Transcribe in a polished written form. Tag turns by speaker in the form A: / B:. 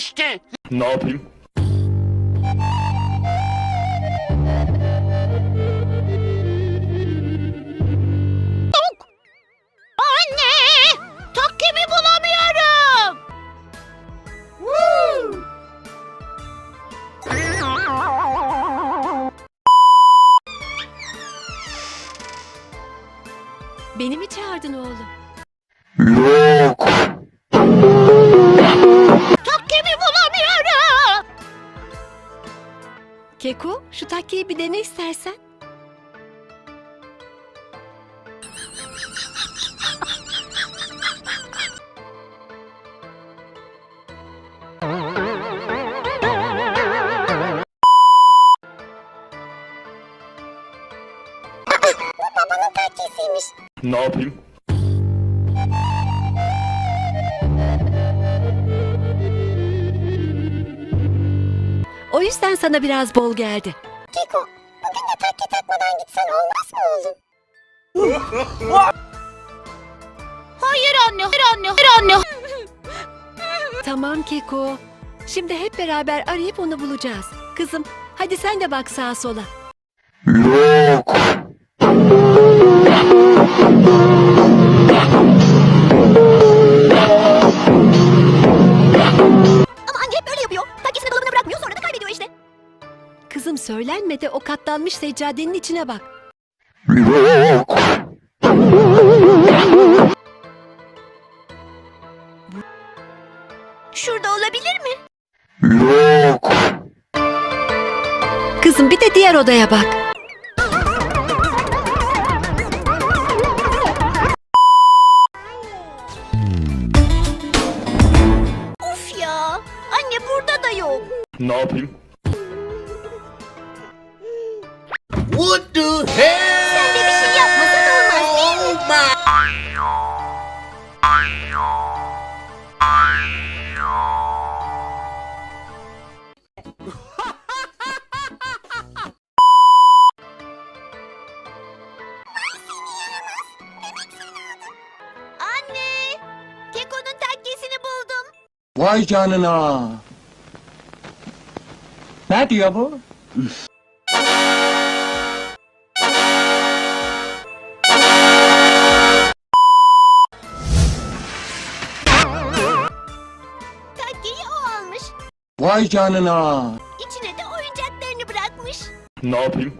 A: işte.
B: Ne yapayım?
C: Anne! Takkemi bulamıyorum.
D: Beni mi çağırdın oğlum?
B: Yok.
C: Takkemi bulamıyorum.
D: Keko, şu takkeyi bir dene istersen.
C: Babanın takkesiymiş.
B: Ne yapayım?
D: O yüzden sana biraz bol geldi.
C: Keko, bugün de takke takmadan gitsen olmaz mı oğlum? Hayır anne, hayır anne, hayır anne.
D: Tamam Keko. Şimdi hep beraber arayıp onu bulacağız. Kızım, hadi sen de bak sağa sola.
B: Yok.
C: Ama anne hep böyle yapıyor. Takkesini dolabına bırakmıyor, sonra da kaybediyor işte.
D: Kızım söylenme de o katlanmış seccadenin içine bak.
B: Yok.
C: Şurada olabilir mi?
B: Yok.
D: Kızım bir de diğer odaya bak.
C: Of ya, anne burada da yok.
B: Ne yapayım?
A: What the hell?
C: Sen de bir şey yapmasan olmaz değil mi? Anne, Keko'nun takkesini buldum.
E: Vay canına. Ne diyor bu?
C: Takkeyi o almış.
E: Vay canına.
C: İçine de oyuncaklarını bırakmış.
B: Ne yapayım?